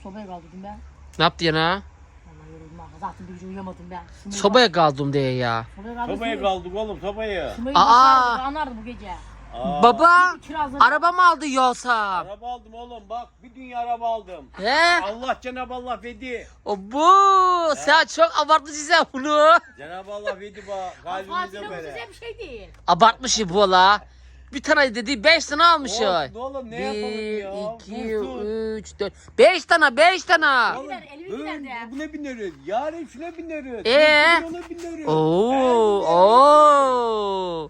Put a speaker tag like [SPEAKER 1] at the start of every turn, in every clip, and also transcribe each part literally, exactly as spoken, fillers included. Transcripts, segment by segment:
[SPEAKER 1] Sobaya kaldırdım ben.
[SPEAKER 2] Ne yaptı yana?
[SPEAKER 1] Vallahi yoruldum ha. Zaten bir gece uyuyamadım ben. Şunu
[SPEAKER 2] Sobaya kaldım diye ya.
[SPEAKER 1] Sobaya kaldım.
[SPEAKER 3] Sobaya kaldık oğlum sobaya.
[SPEAKER 1] Şunu
[SPEAKER 2] Aa!
[SPEAKER 1] anlardı bu gece.
[SPEAKER 3] Aa,
[SPEAKER 2] Baba
[SPEAKER 1] Kirazları.
[SPEAKER 2] araba mı aldı yoksa?
[SPEAKER 3] Araba aldım oğlum bak bir dünya araba aldım.
[SPEAKER 2] He?
[SPEAKER 3] Allah Cenab-ı Allah verdi.
[SPEAKER 2] O bu. Sen çok abartmışsın sen bunu.
[SPEAKER 3] Cenab-ı Allah verdi bak kalbimize
[SPEAKER 1] Fatih'le bu
[SPEAKER 3] böyle.
[SPEAKER 1] size bir şey değil.
[SPEAKER 2] Abartmış bu la. Bir tane dedi beş tane almış
[SPEAKER 3] Olsun
[SPEAKER 2] ya.
[SPEAKER 3] oğlum ne
[SPEAKER 2] Bir,
[SPEAKER 3] yapalım ya?
[SPEAKER 2] iki,
[SPEAKER 3] Olsun.
[SPEAKER 2] üç, dört. Beş tane, beş tane.
[SPEAKER 3] Oğlum,
[SPEAKER 1] Gider, elimi
[SPEAKER 3] hı,
[SPEAKER 1] gider de.
[SPEAKER 3] buna bineriz. Yarın şuna bineriz.
[SPEAKER 2] Ee?
[SPEAKER 3] Bugün ona bineriz.
[SPEAKER 2] Oo, oo.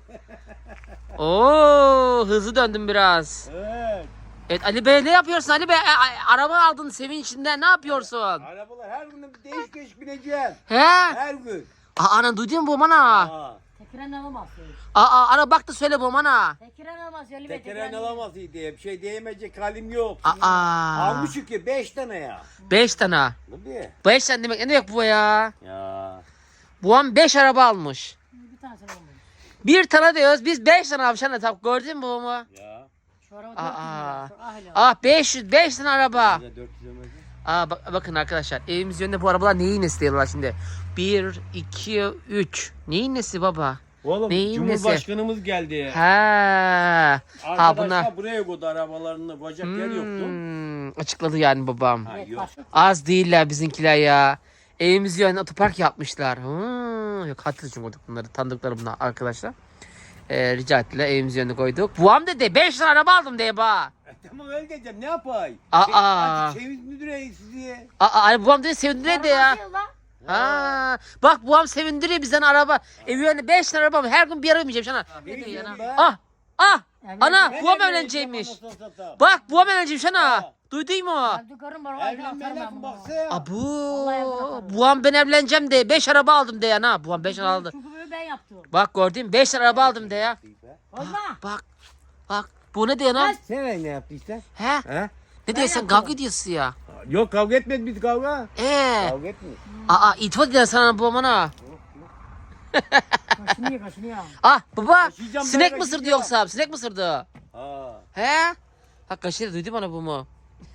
[SPEAKER 2] Oo, hızlı döndüm biraz.
[SPEAKER 3] Evet.
[SPEAKER 2] Evet Ali Bey ne yapıyorsun Ali Bey? E, a- araba aldın sevinçinden ne yapıyorsun?
[SPEAKER 3] Arabalar her gün değiş değiş bineceğim.
[SPEAKER 2] He?
[SPEAKER 3] Her gün.
[SPEAKER 2] Aa, ana duydun mu bu bana?
[SPEAKER 3] Aa.
[SPEAKER 1] Tekiren alamaz.
[SPEAKER 2] Aa, ana bak da söyle bu bana.
[SPEAKER 1] Tekiren alamaz. Öyle bir
[SPEAKER 3] Tekeren alamaz diye bir şey diyemeyecek halim yok.
[SPEAKER 2] Aa,
[SPEAKER 3] Almışık ki beş tane ya.
[SPEAKER 2] beş tane.
[SPEAKER 3] Tabii.
[SPEAKER 2] Beş tane demek ne demek bu ya?
[SPEAKER 3] Ya.
[SPEAKER 2] Bu an beş araba almış.
[SPEAKER 1] Bir tanesini alamadım.
[SPEAKER 2] Bir tane diyoruz biz beş tane almış anne tabi gördün mü bu mu?
[SPEAKER 3] Ya.
[SPEAKER 1] Şu araba
[SPEAKER 2] Aa.
[SPEAKER 1] dört yüz lira. Şu ahli.
[SPEAKER 2] Ah beş yüz beş tane araba.
[SPEAKER 3] Ya dört yüz ömür.
[SPEAKER 2] Aa bak, bakın arkadaşlar evimiz yönünde bu arabalar neyin nesi diyorlar şimdi. Bir, iki, üç. Neyin nesi baba?
[SPEAKER 3] Oğlum
[SPEAKER 2] Neyin
[SPEAKER 3] Cumhurbaşkanımız geldi.
[SPEAKER 2] Ha. Ha
[SPEAKER 3] Arkadaşlar
[SPEAKER 2] bunlar.
[SPEAKER 3] buraya koydu arabalarını. Bacak yer yoktu.
[SPEAKER 2] Hmm, açıkladı yani babam.
[SPEAKER 3] Ha,
[SPEAKER 1] Evet,
[SPEAKER 3] yok.
[SPEAKER 1] başka.
[SPEAKER 2] Az değiller bizimkiler ya. Evimiz yönünde otopark yapmışlar. Hmm, yok hatırlıyorum koyduk bunları. Tanıdıkları bunlar arkadaşlar. Ee, rica ettiler evimiz yönünde koyduk. Buam dedi beş tane araba aldım diye ba.
[SPEAKER 3] E, tamam öyle diyeceğim ne yapayım?
[SPEAKER 2] Aa.
[SPEAKER 3] Şey, hadi çeviz müdüre sizi.
[SPEAKER 2] Aa, ay, buam dedi sevindiriyor ya.
[SPEAKER 1] Araba nasıl lan?
[SPEAKER 2] Ha, bak buam sevindiriyor bizden araba. Evi yönünde beş tane araba var. Her gün bir araba bineceğim sana.
[SPEAKER 3] Ne
[SPEAKER 2] Ne diyor
[SPEAKER 3] diyorsun
[SPEAKER 2] yana?
[SPEAKER 3] be?
[SPEAKER 2] Ah, ah.
[SPEAKER 1] Evet.
[SPEAKER 2] Ana
[SPEAKER 3] Ben
[SPEAKER 2] buam
[SPEAKER 3] evleneceğim
[SPEAKER 2] evlenecekmiş.
[SPEAKER 3] anasını satayım.
[SPEAKER 2] Bak buam evlenecekmiş ana.
[SPEAKER 3] Ha.
[SPEAKER 2] Duydun mu?
[SPEAKER 1] Ben dükkanım var. Vallahi atarım
[SPEAKER 3] Evlenme
[SPEAKER 1] ben
[SPEAKER 3] lafı
[SPEAKER 1] bunu.
[SPEAKER 3] baksa ya.
[SPEAKER 2] Abu,
[SPEAKER 1] Vallahi yaparım.
[SPEAKER 2] buam ben evleneceğim de beş araba aldım de ya na. Buam beş araba aldı.
[SPEAKER 1] Çünkü böyle ben yaptım.
[SPEAKER 2] Bak gördün mü? beş araba aldım de ya.
[SPEAKER 1] Olma.
[SPEAKER 2] Bak, bak. Bu ne diyor lan?
[SPEAKER 3] Sen ne yaptın işte?
[SPEAKER 2] He?
[SPEAKER 3] He?
[SPEAKER 2] Ne diyor sen
[SPEAKER 1] yaptım.
[SPEAKER 2] kavga ediyorsun ya?
[SPEAKER 3] Yok kavga etmedik biz kavga.
[SPEAKER 2] Ee,
[SPEAKER 3] Kavga etmedik.
[SPEAKER 2] aa itimat ediyor sana bu bana.
[SPEAKER 1] Kaşını ye kaşını ye.
[SPEAKER 2] Ah baba,
[SPEAKER 3] Kaşıyacağım,
[SPEAKER 2] sinek
[SPEAKER 3] ben
[SPEAKER 2] mi ısırdı
[SPEAKER 3] kaşıyacağım.
[SPEAKER 2] yoksa? Sinek mi ısırdı?
[SPEAKER 3] Ha.
[SPEAKER 2] He? Ha kaşıydı duydu bana bu mu?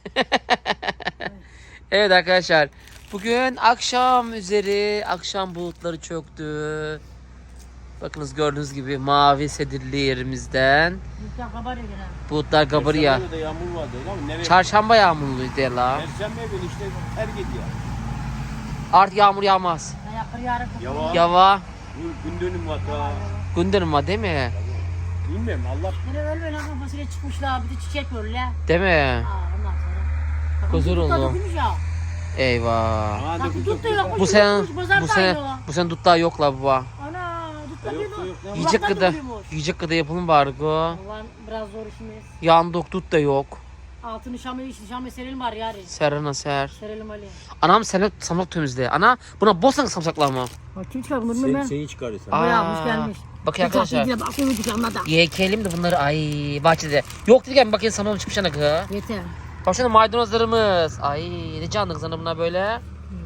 [SPEAKER 2] Evet arkadaşlar. Bugün akşam üzeri, akşam bulutları çöktü. Bakınız gördüğünüz gibi mavi sedirli yerimizden.
[SPEAKER 1] Lütfen kabar ya gene.
[SPEAKER 2] Bulutlar kabarıyor.
[SPEAKER 3] Perşembe de yağmur vardı ama nereye?
[SPEAKER 2] Çarşamba yağmurluydu ya la.
[SPEAKER 3] Perşembe günü işte her gece.
[SPEAKER 2] Artık yağmur yağmaz.
[SPEAKER 1] Ben yakır yarın.
[SPEAKER 3] Yava.
[SPEAKER 2] Yava.
[SPEAKER 3] Bu gündönüm var ta.
[SPEAKER 2] Gündürüm var değil mi?
[SPEAKER 3] Bilmiyorum Allah.
[SPEAKER 1] Yine öyle lan kafasıyla çıkmışlar. Bir de çiçek böyle.
[SPEAKER 2] Değil mi?
[SPEAKER 1] Aa ondan sonra.
[SPEAKER 2] Huzur
[SPEAKER 1] Bakın,
[SPEAKER 2] oldu.
[SPEAKER 1] tutmuş ya.
[SPEAKER 2] Eyvah.
[SPEAKER 3] Aa,
[SPEAKER 1] Bak
[SPEAKER 3] dokuz,
[SPEAKER 1] tut da
[SPEAKER 3] dokuz,
[SPEAKER 1] yok.
[SPEAKER 2] Bu sen
[SPEAKER 1] tutmuş,
[SPEAKER 2] bu
[SPEAKER 1] pazar
[SPEAKER 2] sen
[SPEAKER 1] da aynı o.
[SPEAKER 2] bu sen dut daha yok la baba.
[SPEAKER 1] Ana tut da
[SPEAKER 3] Yok,
[SPEAKER 1] bir
[SPEAKER 3] yok, yok.
[SPEAKER 2] Yiyecek
[SPEAKER 1] Kulaklar
[SPEAKER 2] kadar
[SPEAKER 1] doluyormuş.
[SPEAKER 2] yiyecek kadar yapalım bari go.
[SPEAKER 1] Ulan biraz zor işimiz.
[SPEAKER 2] Yandık dut da yok.
[SPEAKER 1] Altını şamı şamı serelim var yarın.
[SPEAKER 2] Serana ser.
[SPEAKER 1] Serelim Ali.
[SPEAKER 2] Anam sen samsak temizle. Ana buna bosan samsaklar mı?
[SPEAKER 1] Bak kim çıkar bunu
[SPEAKER 3] Sen,
[SPEAKER 1] bilmem ben.
[SPEAKER 3] şeyi çıkarırsan.
[SPEAKER 1] Aa. yapmış, gelmiş.
[SPEAKER 2] Bakın arkadaşlar.
[SPEAKER 1] Bak şimdi dükkanına da.
[SPEAKER 2] Yekelim de bunları ay bahçede. Yok dedim bakayım samam çıkmış ana kız.
[SPEAKER 1] Yeter.
[SPEAKER 2] Bak şuna maydanozlarımız. Ay ne canlı sana bunlar böyle.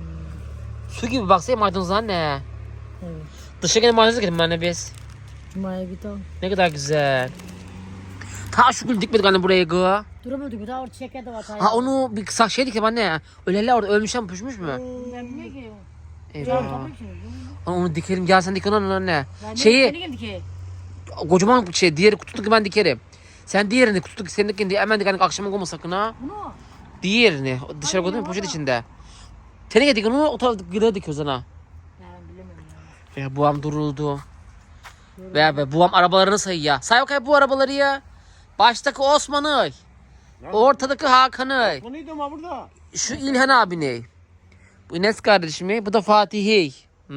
[SPEAKER 2] Su gibi baksana maydanozlar anne.
[SPEAKER 1] Evet.
[SPEAKER 2] Dışa gene maydanoz ekelim anne biz.
[SPEAKER 1] Cuma'ya git al.
[SPEAKER 2] Ne kadar güzel. Ta şu gül dikmedik anne buraya gı.
[SPEAKER 1] Duramadık bir daha orada çiçekler de var.
[SPEAKER 2] Ha onu bir kısa şey dikelim anne. Öleler orada ölmüşler mi püşmüş mü?
[SPEAKER 1] Ben bilmiyorum ki.
[SPEAKER 2] Eyvah.
[SPEAKER 1] Canım tabii ki.
[SPEAKER 2] Onu, onu dikelim gel sen dik onu anne.
[SPEAKER 1] Ben
[SPEAKER 2] Şeyi
[SPEAKER 1] ne geldi ki?
[SPEAKER 2] kocaman bir şey diğeri kututuk ben dikerim. Sen diğerini kututuk senin dikin diye hemen dik hani akşama koyma sakın ha.
[SPEAKER 1] Bunu.
[SPEAKER 2] Diğerini dışarı koydun mu poşet içinde. Teneke dik onu o tarafta gıda dikiyoruz ana.
[SPEAKER 1] Ben bilemiyorum ya.
[SPEAKER 2] Ya buam duruldu. Ve be buam arabalarını sayıyor. Say bakayım bu arabaları ya. Baştaki Osman'ı. Ortadaki Hakan'ı.
[SPEAKER 3] Bu neydi ama burada?
[SPEAKER 2] Şu İlhan abini. Bu Enes kardeşimi. Bu da Fatih'i.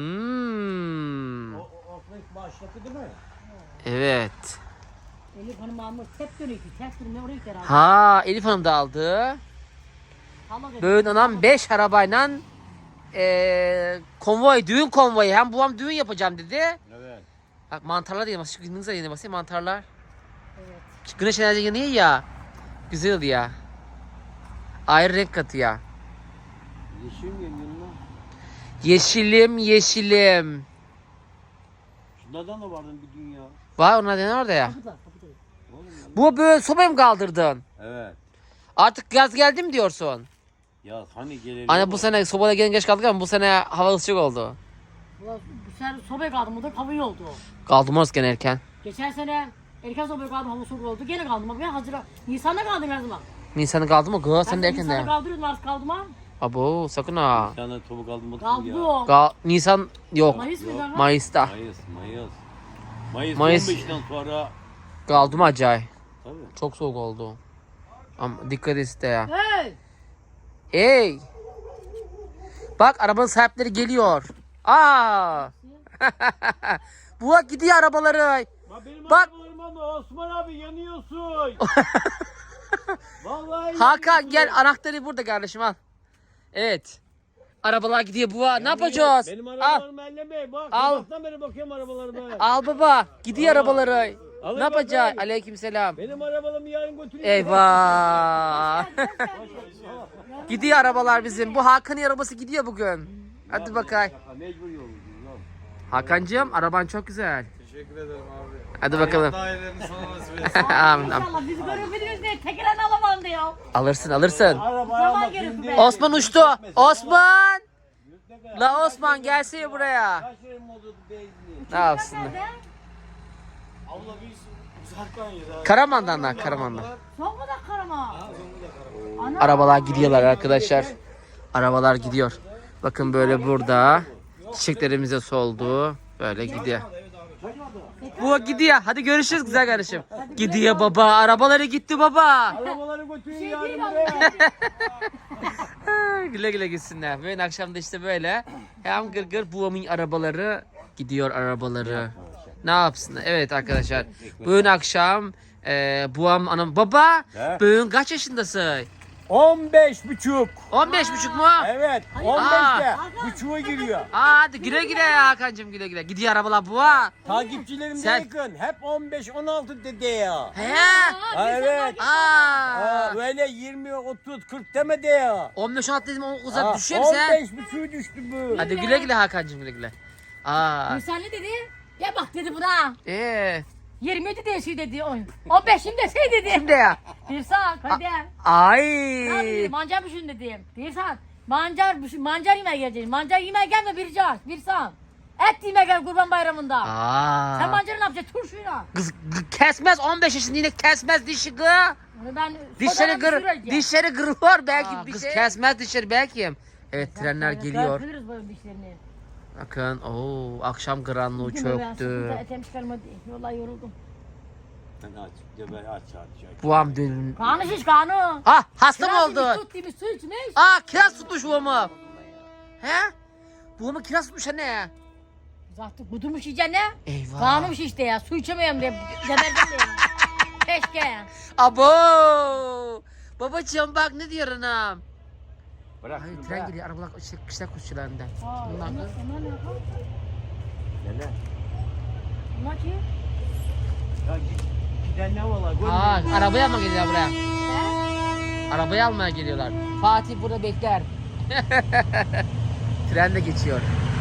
[SPEAKER 2] Hmm.
[SPEAKER 3] O, o, o başlattı değil mi?
[SPEAKER 2] Evet.
[SPEAKER 1] Elif Hanım almış. Tek dönüyor ki. Tek dönüyor. Oraya gider abi.
[SPEAKER 2] Ha Elif Hanım da aldı.
[SPEAKER 1] Allah dedi.
[SPEAKER 2] Böyle anam beş arabayla eee konvoy, düğün konvoyu. Hem babam düğün yapacağım dedi.
[SPEAKER 3] Evet.
[SPEAKER 2] Bak mantarlar diye basıyor. Gündüz ayına basıyor mantarlar.
[SPEAKER 1] Evet.
[SPEAKER 2] Şu güneş enerji yanıyor ya. Güzel ya. Ayrı renk katıyor.
[SPEAKER 3] Yeşil mi yanına?
[SPEAKER 2] Yeşilim yeşilim.
[SPEAKER 3] Şunlardan da vardı bir dünya.
[SPEAKER 2] Var onlar ne orada ya?
[SPEAKER 1] Kapıda. Kapıda.
[SPEAKER 3] Oğlum ya.
[SPEAKER 2] Bu böyle sobayı mı kaldırdın?
[SPEAKER 3] Evet.
[SPEAKER 2] Artık yaz geldi mi diyorsun?
[SPEAKER 3] Ya hani gelelim.
[SPEAKER 2] Anne bu sene sobada gelin geç kaldık ama bu sene hava sıcak oldu.
[SPEAKER 1] Ulan bu sene sobaya kaldım. Bu da hava iyi oldu.
[SPEAKER 2] Kaldım orası gene erken.
[SPEAKER 1] Geçen sene erken sobaya kaldım. Hava soğuk oldu. Gene kaldım. Bak ben Haziran. Nisan'da kaldım her zaman.
[SPEAKER 2] Nisan'ı kaldı mı? Kız sen de
[SPEAKER 1] Ben
[SPEAKER 2] erken
[SPEAKER 1] Nisan'da
[SPEAKER 2] de.
[SPEAKER 1] kaldırıyordum. Artık kaldım ha.
[SPEAKER 2] Abo sakın ha.
[SPEAKER 3] Bir tane topuk aldım
[SPEAKER 1] Kaldı
[SPEAKER 3] ya.
[SPEAKER 1] o.
[SPEAKER 2] Gal Nisan yok.
[SPEAKER 1] Mayıs mıydı ama?
[SPEAKER 2] Mayıs'ta.
[SPEAKER 3] Mayıs, Mayıs. Mayıs,
[SPEAKER 2] Mayıs.
[SPEAKER 3] on beşten sonra
[SPEAKER 2] Kaldım acayip.
[SPEAKER 3] tabii.
[SPEAKER 2] Çok soğuk oldu. Ama dikkat et de ya.
[SPEAKER 1] Hey!
[SPEAKER 2] Hey! Bak arabanın sahipleri geliyor. Aa! Bu bak gidiyor arabaları.
[SPEAKER 3] Ya benim
[SPEAKER 2] Bak.
[SPEAKER 3] arabalarım ama Osman abi yanıyorsun. Vallahi
[SPEAKER 2] Hakan
[SPEAKER 3] yanıyorsun.
[SPEAKER 2] gel anahtarı burada kardeşim al. Evet. Arabalar gidiyor bu. Ne
[SPEAKER 3] Yanıyor.
[SPEAKER 2] yapacağız?
[SPEAKER 3] Benim
[SPEAKER 2] Al.
[SPEAKER 3] arabalarımı elleme. Bak
[SPEAKER 2] Al.
[SPEAKER 3] sabahtan beri bakıyorum arabalarıma.
[SPEAKER 2] Al baba. Gidiyor
[SPEAKER 3] Al.
[SPEAKER 2] arabaları.
[SPEAKER 3] Alın
[SPEAKER 2] Ne yapacağız?
[SPEAKER 3] bakalım.
[SPEAKER 2] Aleykümselam.
[SPEAKER 3] Benim arabalarımı yarın götüreyim.
[SPEAKER 2] Eyvah. Gidiyor arabalar bizim. Bu Hakan'ın arabası gidiyor bugün. Hadi bakayım.
[SPEAKER 3] Mecbur yolcuyuz.
[SPEAKER 2] Hakan'cığım araban çok güzel.
[SPEAKER 4] Teşekkür ederim abi.
[SPEAKER 2] Hadi bakalım.
[SPEAKER 4] Dairelerini sana nasip etsin.
[SPEAKER 2] Amin, amin.
[SPEAKER 1] İnşallah bizi görebiliriz diye tekelen alamam diyor.
[SPEAKER 2] Alırsın alırsın.
[SPEAKER 3] Arabaya
[SPEAKER 1] Zaman
[SPEAKER 3] bak
[SPEAKER 1] gerekiyor
[SPEAKER 3] şimdi.
[SPEAKER 1] be.
[SPEAKER 2] Osman uçtu. Osman. La Osman gelsene buraya.
[SPEAKER 3] Kaç yerim oldu benzin?
[SPEAKER 2] Ne yapsın?
[SPEAKER 1] Nerede?
[SPEAKER 4] Abla biz uzaktan yedi.
[SPEAKER 2] Karaman'dan lan Karaman'dan.
[SPEAKER 1] Zonguldak Karama. Ana.
[SPEAKER 2] Arabalar gidiyorlar arkadaşlar. Arabalar gidiyor. Bakın böyle burada. Çiçeklerimize soldu. Böyle gidiyor. Bu gidiyor. Hadi görüşürüz güzel kardeşim. Gidiyor baba. Arabaları gitti baba.
[SPEAKER 3] Arabaları götürün
[SPEAKER 1] Şey
[SPEAKER 3] yarın
[SPEAKER 1] değil
[SPEAKER 3] buraya.
[SPEAKER 1] ama.
[SPEAKER 2] Güle güle gitsinler. Bugün akşam da işte böyle. Hem gır gır babamın arabaları gidiyor arabaları. Ne yapsın? Evet arkadaşlar. Bugün akşam e, buam anam baba.
[SPEAKER 3] He?
[SPEAKER 2] Bugün kaç yaşındasın?
[SPEAKER 3] on beş buçuk.
[SPEAKER 2] on beş buçuk mu?
[SPEAKER 3] Evet.
[SPEAKER 1] Hayır.
[SPEAKER 3] on beşte.
[SPEAKER 1] Aa.
[SPEAKER 3] Buçuğa giriyor.
[SPEAKER 2] Aa, hadi güle güle ya Hakan'cığım güle güle. Gidiyor arabalar buğa.
[SPEAKER 3] Takipçilerim de
[SPEAKER 2] Sen-
[SPEAKER 3] yakın. Hep on beş on altı dedi ya.
[SPEAKER 2] He.
[SPEAKER 3] Ha, evet.
[SPEAKER 2] Aa.
[SPEAKER 3] Aa, böyle yirmi otuz kırk demedi ya.
[SPEAKER 2] on beş on altı dedim o uzak
[SPEAKER 3] Ha,
[SPEAKER 2] düşüyor mu sen?
[SPEAKER 3] on beş buçuğa düştü bu.
[SPEAKER 2] Hadi güle güle Hakan'cığım güle güle. Aa.
[SPEAKER 1] Nisan ne dedi? Ya bak dedi buna.
[SPEAKER 2] Ee.
[SPEAKER 1] yirmi yedi de şey dedi. on beşim de şey dedi.
[SPEAKER 2] Şimdi ya.
[SPEAKER 1] Bir saat hadi.
[SPEAKER 2] Ay.
[SPEAKER 1] Ne yapayım? Mancar düşün dedim. Bir saat. Mancar düşün. Mancar yemeğe geleceğim. Mancar yemeğe gelme bir saat. Bir saat. Et yemeğe gel kurban bayramında.
[SPEAKER 2] Aa.
[SPEAKER 1] Sen mancarı ne yapacaksın? Turşuyla.
[SPEAKER 2] Kız g- kesmez on beş yaşında yine kesmez dişi gı.
[SPEAKER 1] Onu ben
[SPEAKER 2] Dişleri
[SPEAKER 1] sodadan
[SPEAKER 2] gır,
[SPEAKER 1] düşüreceğim.
[SPEAKER 2] dişleri gırıyor belki
[SPEAKER 1] Aa,
[SPEAKER 2] bir
[SPEAKER 1] kız
[SPEAKER 2] şey. Kesmez dişleri belki. Evet trenler geliyor.
[SPEAKER 1] Dökülürüz böyle dişlerini.
[SPEAKER 2] Bakın ooo akşam karanlığı
[SPEAKER 1] Bugün de ben
[SPEAKER 2] çöktü.
[SPEAKER 1] sıkıntı etem çıkarmadı. Vallahi yoruldum.
[SPEAKER 3] Sen aç. Geber aç aç aç.
[SPEAKER 2] Buam dün.
[SPEAKER 1] Kanı şiş kanı.
[SPEAKER 2] Ah hasta mı
[SPEAKER 1] Kiraz
[SPEAKER 2] oldu?
[SPEAKER 1] yemiş, Tut gibi su içmiş.
[SPEAKER 2] Aa kiraz tutmuş buamı. He? Buamı kiraz tutmuş anne.
[SPEAKER 1] Zaten kudurmuş iyice ne?
[SPEAKER 2] Eyvah.
[SPEAKER 1] Kanım şişti ya. Su içemiyorum diye. Geberdim diye. Keşke.
[SPEAKER 2] Abo. Babacığım bak ne diyor anam.
[SPEAKER 3] Bırak.
[SPEAKER 2] Hayır
[SPEAKER 3] şunu,
[SPEAKER 2] tren
[SPEAKER 3] bırak.
[SPEAKER 2] geliyor arabalar işte kışla kuşçularından.
[SPEAKER 1] Aa,
[SPEAKER 2] Bunlar
[SPEAKER 1] onlar,
[SPEAKER 2] da-
[SPEAKER 1] onlar ne yapar?
[SPEAKER 3] Gel lan.
[SPEAKER 1] Bunlar kim?
[SPEAKER 3] Ya git. Giden ne valla?
[SPEAKER 2] Aa arabaya mı geliyorlar buraya?
[SPEAKER 1] He?
[SPEAKER 2] Arabayı almaya geliyorlar. Fatih burada bekler. Tren de geçiyor.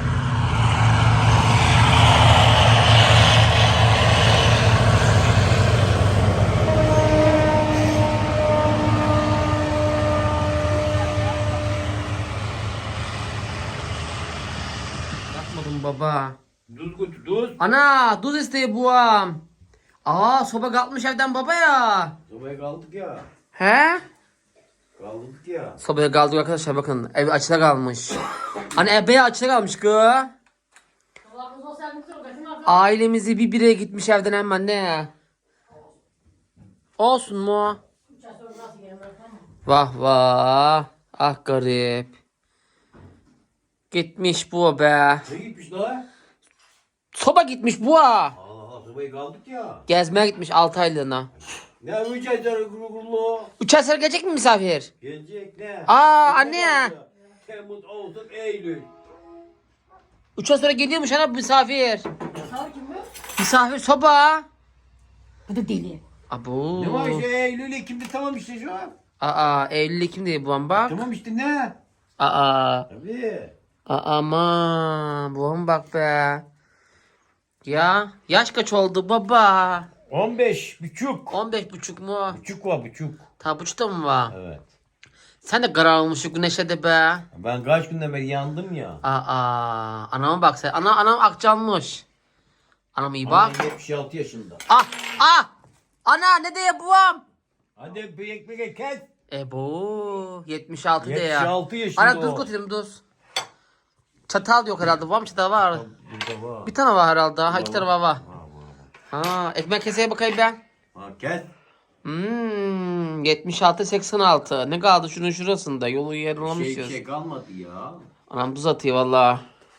[SPEAKER 2] Yapmadım baba.
[SPEAKER 3] Duz götür duz.
[SPEAKER 2] Ana tuz isteği buam. Aa soba kalkmış evden baba ya.
[SPEAKER 3] Sobaya kaldık ya.
[SPEAKER 2] He?
[SPEAKER 3] Kaldık ya.
[SPEAKER 2] Sobaya kaldık arkadaşlar bakın. Ev açıda kalmış. Hani ebe açıda kalmış kı.
[SPEAKER 1] Allah razı olsun, sen mutlu ol, kaçın artık.
[SPEAKER 2] Ailemizi bir bire gitmiş evden hemen ne? Olsun mu?
[SPEAKER 1] Üç ay sonra nasıl gelirim, tamam mı?
[SPEAKER 2] Vah vah. Ah garip. Gitmiş bu be.
[SPEAKER 3] Ne gitmiş daha?
[SPEAKER 2] Soba gitmiş bu ha.
[SPEAKER 3] Allah Allah sobaya kaldık ya.
[SPEAKER 2] Gezmeye gitmiş altı aylığına.
[SPEAKER 3] Ne üç aydır gulu gulu.
[SPEAKER 2] Üç ay sonra gelecek mi misafir?
[SPEAKER 3] Gelecek ne?
[SPEAKER 2] Aa, anne.
[SPEAKER 3] Temmuz, Ağustos, Eylül.
[SPEAKER 2] Üç ay sonra geliyormuş ana bu misafir.
[SPEAKER 1] Sağır kim bu?
[SPEAKER 2] Misafir soba.
[SPEAKER 1] Bu da deli.
[SPEAKER 2] Abo.
[SPEAKER 3] Ne var işte Eylül, Ekim'de tamam işte şu an.
[SPEAKER 2] Aa Eylül Ekim değil bu an bak.
[SPEAKER 3] Tamam işte ne?
[SPEAKER 2] Aa.
[SPEAKER 3] Tabii.
[SPEAKER 2] Aa, aman bu an bak be. Ya yaş kaç oldu baba?
[SPEAKER 3] on beş buçuk.
[SPEAKER 2] on beş buçuk mu?
[SPEAKER 3] Buçuk var buçuk.
[SPEAKER 2] Ta buçukta mı var?
[SPEAKER 3] Evet.
[SPEAKER 2] Sen de kararılmış şu güneşe de be.
[SPEAKER 3] Ben kaç günden beri yandım ya.
[SPEAKER 2] Aa, anama bak sen. Ana, anam akcanmış. Anam iyi bak.
[SPEAKER 3] Annem yetmiş altı yaşında.
[SPEAKER 2] Ah, ah. Ana ne de yapıyorum?
[SPEAKER 3] Hadi bir ekmek kes.
[SPEAKER 2] E bu yetmiş altı de ya.
[SPEAKER 3] yetmiş altı yaşında
[SPEAKER 2] Ana tuz
[SPEAKER 3] o.
[SPEAKER 2] götürelim tuz. Çatal yok herhalde. Var mı çatal var?
[SPEAKER 3] Burada var.
[SPEAKER 2] Bir tane var herhalde. Ha iki tane var var.
[SPEAKER 3] Ha, var.
[SPEAKER 2] Ha ekmek keseye bakayım ben.
[SPEAKER 3] Ha, kes.
[SPEAKER 2] Hmm, yetmiş altı seksen altı. Ne kaldı şunun şurasında? Yolu
[SPEAKER 3] Şey,
[SPEAKER 2] yarılamışız.
[SPEAKER 3] şey kalmadı ya.
[SPEAKER 2] Anam tuz atıyor valla.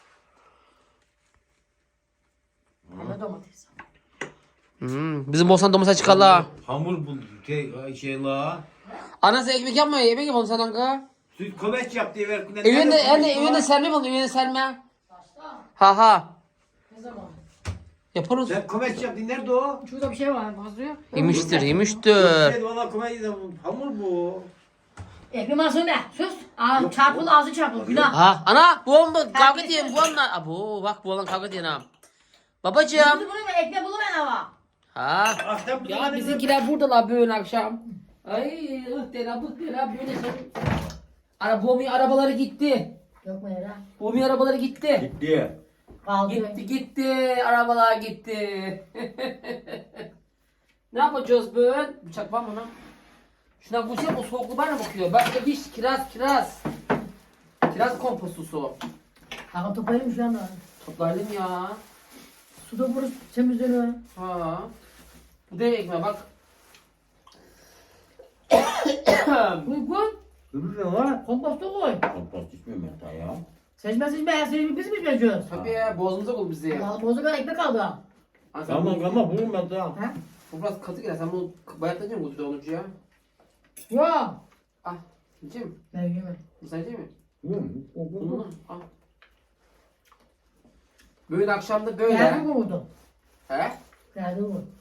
[SPEAKER 1] Ana domates.
[SPEAKER 2] Hmm, bizim Bosan domuza çıkarla.
[SPEAKER 3] Hamur buldu. Şey, şey la.
[SPEAKER 2] Anası ekmek yapmıyor. Yemek yapalım sen anka.
[SPEAKER 3] Süt koveç yap diye ver.
[SPEAKER 2] Evinde, evinde, evinde serme yapalım. Evinde serme. Ha ha.
[SPEAKER 1] Ne zaman?
[SPEAKER 2] Yaparız.
[SPEAKER 3] Sen koveç yap diye nerede o?
[SPEAKER 1] Şurada bir şey var fazla yok.
[SPEAKER 2] Yemiştir, yemiştir.
[SPEAKER 3] Şey valla koveç de hamur bu.
[SPEAKER 1] Ekmek masum be. Sus. Aa, çarpıl ağzı çarpıl. Günah.
[SPEAKER 2] Ha, ana, bu oğlum kavga ediyor. Bu oğlum, abo, bak bu oğlan kavga ediyor ha. Babacığım.
[SPEAKER 1] Bunu bunu ekmek bulur ben hava.
[SPEAKER 2] Ha.
[SPEAKER 3] Ah, sen bu
[SPEAKER 2] Ya
[SPEAKER 3] zamanda-
[SPEAKER 2] bizimkiler buradalar böyle akşam. Ay, ıh dela bık dela böyle şey. Ara Bomi arabaları gitti.
[SPEAKER 1] Yok mu yara?
[SPEAKER 2] Bomi arabaları gitti.
[SPEAKER 3] Gitti.
[SPEAKER 1] Kaldı.
[SPEAKER 2] Gitti gitti. Arabalar gitti. Ne yapacağız böyle? Bıçak var mı lan? Şuna bu şey o soğuklu bana bakıyor. Bak da bir kiraz kiraz. Kiraz kompostusu.
[SPEAKER 1] Kanka toplayalım şu anda.
[SPEAKER 2] Toplayalım ya.
[SPEAKER 1] Suda vururuz temizleniyor.
[SPEAKER 2] Ha. Bu da ekmeğe bak.
[SPEAKER 1] Koy koy.
[SPEAKER 3] Öbür ne var?
[SPEAKER 1] Komposta koy.
[SPEAKER 3] Kompost içmiyorum ya ya.
[SPEAKER 1] Seçme seçme her şeyi biz mi içmeyeceğiz?
[SPEAKER 2] Tabii ya boğazımıza kol bizi.
[SPEAKER 1] Vallahi bozuk kadar ekmek kaldı ha.
[SPEAKER 2] Ha, sen
[SPEAKER 3] Tamam
[SPEAKER 2] bu-
[SPEAKER 3] tamam bulurum ben tamam.
[SPEAKER 1] Ha?
[SPEAKER 2] Bu biraz katı gel. Sen bunu bayatlayacak mısın kutuda ya?
[SPEAKER 1] Yok.
[SPEAKER 2] Ah. Yiyecek mi?
[SPEAKER 1] Ben yemem.
[SPEAKER 2] Sen yiyecek mi?
[SPEAKER 3] Bulurum.
[SPEAKER 2] Bunu al. Böyle akşamda
[SPEAKER 1] Geldi
[SPEAKER 2] böyle.
[SPEAKER 1] mi vurdu?
[SPEAKER 2] He?
[SPEAKER 1] Geldi mi vurdu?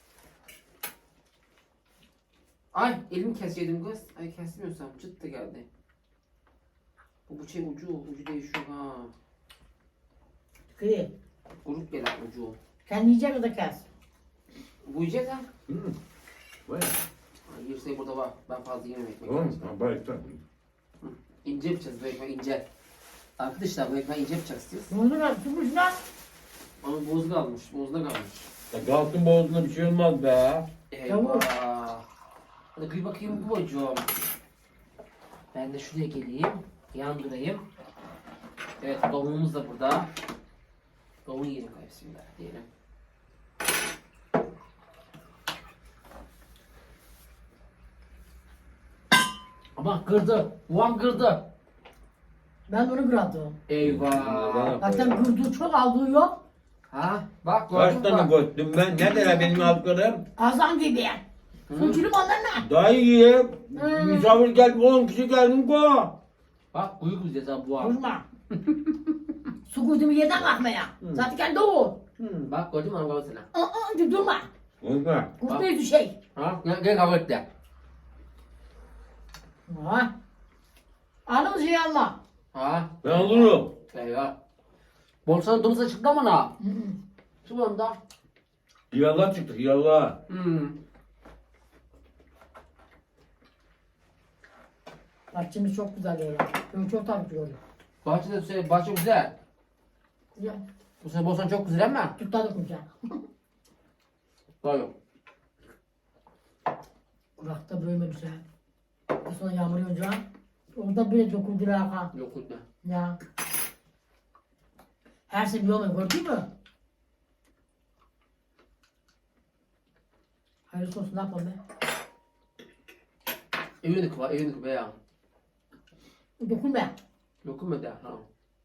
[SPEAKER 2] Ay elimi kesecektim kız. Ay kesmiyorsam çıt da geldi. Bu bıçağın ucu ucu değişiyor ha.
[SPEAKER 1] Kıyı.
[SPEAKER 2] Kuruk gelen ucu.
[SPEAKER 1] Kendi yiyecek o da kes.
[SPEAKER 2] Bu yiyecek ha.
[SPEAKER 3] Hı. Vay.
[SPEAKER 2] Ay yerse burada var. Ben fazla yemem ekmek.
[SPEAKER 3] Oğlum ha bari tamam.
[SPEAKER 2] İnce yapacağız bu ekmeği ince. Arkadaşlar bu ekmeği ince yapacağız istiyoruz.
[SPEAKER 1] Ne oldu lan? Tutmuş lan.
[SPEAKER 2] Onun bozu kalmış. Bozda kalmış.
[SPEAKER 3] Ya kalktın boğazına bir şey olmaz be.
[SPEAKER 2] Eyvah. Hadi kıy bakayım bu bocuğum. Ben de şuraya geleyim. Yandırayım. Evet tavuğumuz da burada. Tavuğu yiyelim bismillah diyelim. Ama kırdı. Ulan kırdı.
[SPEAKER 1] Ben onu kırdım.
[SPEAKER 2] Eyvah.
[SPEAKER 1] Zaten kırdığı çok aldığı yok.
[SPEAKER 2] Ha bak
[SPEAKER 3] Kaç
[SPEAKER 2] gördün
[SPEAKER 3] tane
[SPEAKER 2] mü?
[SPEAKER 3] göttüm ben? Neredeler benim aldıklarım?
[SPEAKER 1] Kazan gibi. Suçlum ondan ne?
[SPEAKER 3] Daha iyi.
[SPEAKER 1] Hmm.
[SPEAKER 3] Misafir geldi on kişi geldim ko.
[SPEAKER 2] Bak kuyu güzel ha bu abi.
[SPEAKER 1] Vurma. Su koyduğumu yerden kalkmaya. Zaten kendi o.
[SPEAKER 2] Bak gördün mü hanım kavgasına?
[SPEAKER 1] Aa, durma.
[SPEAKER 3] Unutma.
[SPEAKER 1] Kurtlayıcı şey.
[SPEAKER 2] Ha gel, gel kavga et de.
[SPEAKER 1] Ha. Anımız şey alma.
[SPEAKER 2] Ha
[SPEAKER 3] Ben alırım.
[SPEAKER 2] eyvah. Bolsanın domuza çıktı mı na? Şu anda.
[SPEAKER 3] Yallah çıktı yallah.
[SPEAKER 2] Hmm.
[SPEAKER 1] Bahçemiz çok güzel ya. Ben çok takip ediyorum.
[SPEAKER 2] Bahçede şey, bahçe güzel.
[SPEAKER 1] Ya,
[SPEAKER 2] Bu sene Bolsan çok güzel ama.
[SPEAKER 1] tutladık mı ya?
[SPEAKER 2] Doğru.
[SPEAKER 1] Kurakta böyle güzel. Bu sonra yağmur yağınca orada bile dokundu ha.
[SPEAKER 2] Yok kutla.
[SPEAKER 1] Ya. Her şey bir olmuyor gördün mü? Hayırlısı olsun ne yapalım be?
[SPEAKER 2] Evini kıva, evini kıva ya.
[SPEAKER 1] Dokunma.
[SPEAKER 2] Dokunma da. Ha.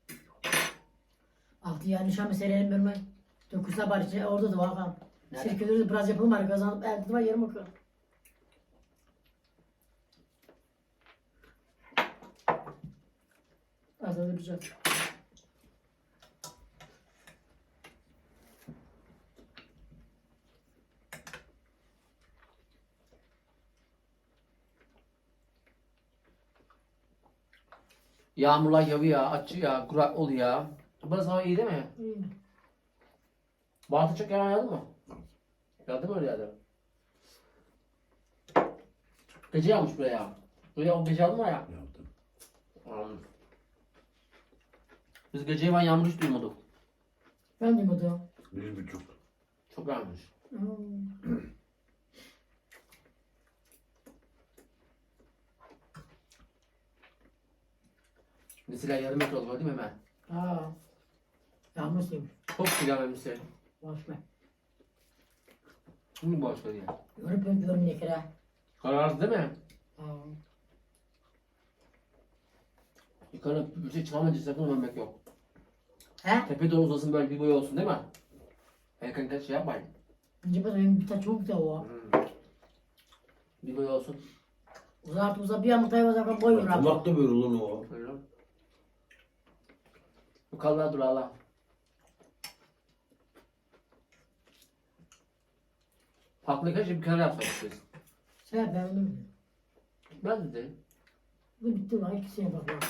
[SPEAKER 1] Altı yani nişan meselelerini verme. Dokunsa bari şey, orada da var ha.
[SPEAKER 2] Nerede?
[SPEAKER 1] Sirkeleri de biraz yapalım bari kazanıp elde var yarım akı. Az önce güzel.
[SPEAKER 2] Yağmurlar yağıyor, açıyor ya, kurak oluyor. Burası hava iyi değil mi?
[SPEAKER 1] İyi.
[SPEAKER 2] Bartı çok yalan yağdı mı? Yağdı mı öyle yağdı? Gece yağmış buraya. Öyle o gece aldın mı ya?
[SPEAKER 3] Yaptım.
[SPEAKER 2] Aldım. Biz gece ben yağmur hiç duymadık.
[SPEAKER 1] Ben de buldum.
[SPEAKER 3] Bir buçuk.
[SPEAKER 2] Çok yağmış.
[SPEAKER 1] Hmm.
[SPEAKER 2] Mesela yarım metre oldu değil mi hemen?
[SPEAKER 1] Aa. Yağmur suymuş.
[SPEAKER 2] Çok silah vermişsin.
[SPEAKER 1] Boş ver.
[SPEAKER 2] Şimdi boş ver ya.
[SPEAKER 1] Görüp görüp ne kere.
[SPEAKER 2] Kararlı değil mi?
[SPEAKER 1] Aa.
[SPEAKER 2] Yukarı bir şey çıkamayınca sakın ölmek yok.
[SPEAKER 1] He?
[SPEAKER 2] Tepe doğru uzasın böyle bir boy olsun değil mi? Erken kaç şey yapmayın.
[SPEAKER 1] Önce benim bir tane çok da o.
[SPEAKER 2] Hmm. Bir boy olsun.
[SPEAKER 1] Uzat uzat bir yamurtayı uzat boyun rahat.
[SPEAKER 3] Kulak da böyle lan o.
[SPEAKER 2] Öyle. Bu kallar dur Allah. Farklı kaç bir kenara yapsak istiyorsun.
[SPEAKER 1] Sen ben onu bilmiyorum.
[SPEAKER 2] Ben de dedim.
[SPEAKER 1] Bu bitti lan ikisine bak bak.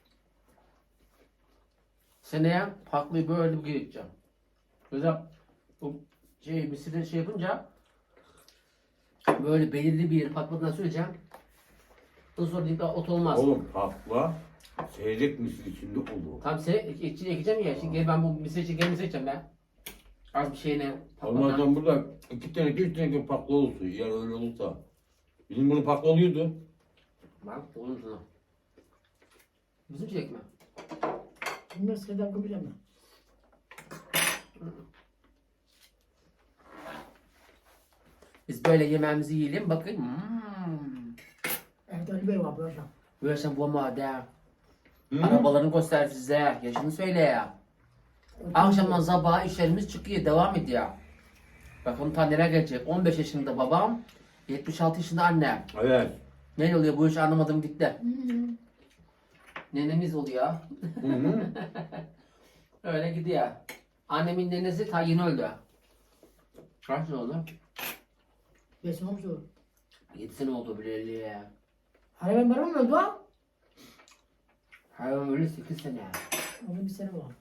[SPEAKER 2] Seneye farklı böyle bir gideceğim. Mesela bu şey misirleri şey yapınca böyle belirli bir yeri patlatmadan süreceğim. Ondan sonra dikkat ot olmaz.
[SPEAKER 3] Oğlum patla. Seyrek misin içinde olur.
[SPEAKER 2] Tam sene içine ekeceğim ya. Şimdi gel ben bu misir için gel misir edeceğim ben. Az bir şeyine patlatmadan.
[SPEAKER 3] Olmazdan burada iki tane üç tane patla olsun. Eğer öyle olursa. Bizim bunu patla oluyordu.
[SPEAKER 2] Bak olur şuna. Bizim çilek mi?
[SPEAKER 1] Bilmem sıradan kabul ama.
[SPEAKER 2] Biz böyle yemeğimizi yiyelim bakın. Hmm.
[SPEAKER 1] Evde öyle bir var böyle.
[SPEAKER 2] Böyle sen bu madde.
[SPEAKER 3] Hı?
[SPEAKER 2] Arabalarını göster size. Yaşını söyle ya. Akşamdan sabaha işlerimiz çıkıyor. Devam ediyor. Bakalım ta nereye gelecek. on beş yaşında babam. yetmiş altı yaşında annem.
[SPEAKER 3] Evet.
[SPEAKER 2] Ne oluyor bu iş anlamadım gitti.
[SPEAKER 1] Hı hı.
[SPEAKER 2] Nenemiz oluyor.
[SPEAKER 3] Hı hı.
[SPEAKER 2] Öyle gidiyor. Annemin nenesi ta yeni öldü. Kaç sene oldu?
[SPEAKER 1] Beş olmuş o.
[SPEAKER 2] yedi sene oldu bileli.
[SPEAKER 1] Hani ben varım mı öldü o?
[SPEAKER 2] Hayvan öyle sekiz sene.
[SPEAKER 1] Onun bir sene var.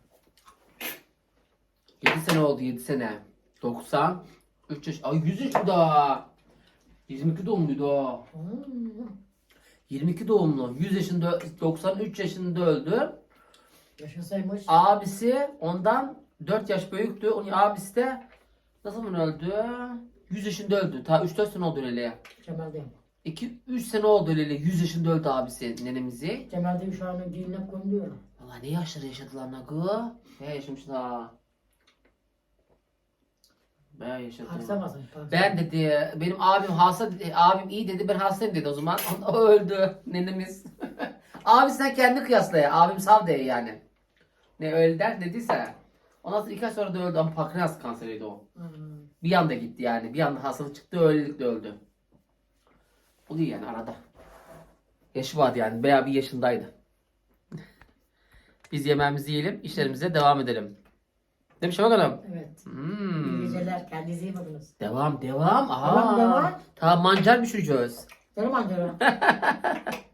[SPEAKER 2] yedi sene oldu yedi sene. doksan üç yaş. Ay yüz yaşında. yirmi iki doğumluydu o.
[SPEAKER 1] Hmm.
[SPEAKER 2] yirmi iki doğumlu. yüz yaşında doksan üç yaşında öldü.
[SPEAKER 1] Yaşasaymış.
[SPEAKER 2] Abisi ondan dört yaş büyüktü. Onun abisi de ne zaman öldü? yüz yaşında öldü. Ta üç dört sene oldu öyle.
[SPEAKER 1] Cemal'de.
[SPEAKER 2] iki üç sene oldu öyle. yüz yaşında öldü abisi nenemizi.
[SPEAKER 1] Cemal'de şu an geline konuyor.
[SPEAKER 2] Valla ne yaşları yaşadılar nakı? Ne yaşamışlar? Ben yaşadım.
[SPEAKER 1] Haksamasın.
[SPEAKER 2] Ben dedi, benim abim hasta dedi, abim iyi dedi, ben hastayım dedi o zaman. O öldü nenemiz. Abi sen kendi kıyasla ya, abim sav de yani. Ne öyle der dediyse. Ondan sonra iki ay sonra da öldü ama pankreas kanseriydi o.
[SPEAKER 1] Hmm.
[SPEAKER 2] Bir anda gitti yani, bir anda hastalık çıktı, öylelikle öldü. Oluyor yani arada. Yaşı vardı yani, bayağı bir yaşındaydı. Biz yemeğimizi yiyelim, işlerimize devam edelim. Değil mi Şafak Hanım?
[SPEAKER 1] Evet.
[SPEAKER 2] Hmm.
[SPEAKER 1] İyi geceler. Kendinize iyi bakınız.
[SPEAKER 2] Devam, devam. Aha.
[SPEAKER 1] Devam, devam.
[SPEAKER 2] Tamam, mancar pişireceğiz.
[SPEAKER 1] Canım anlıyorum.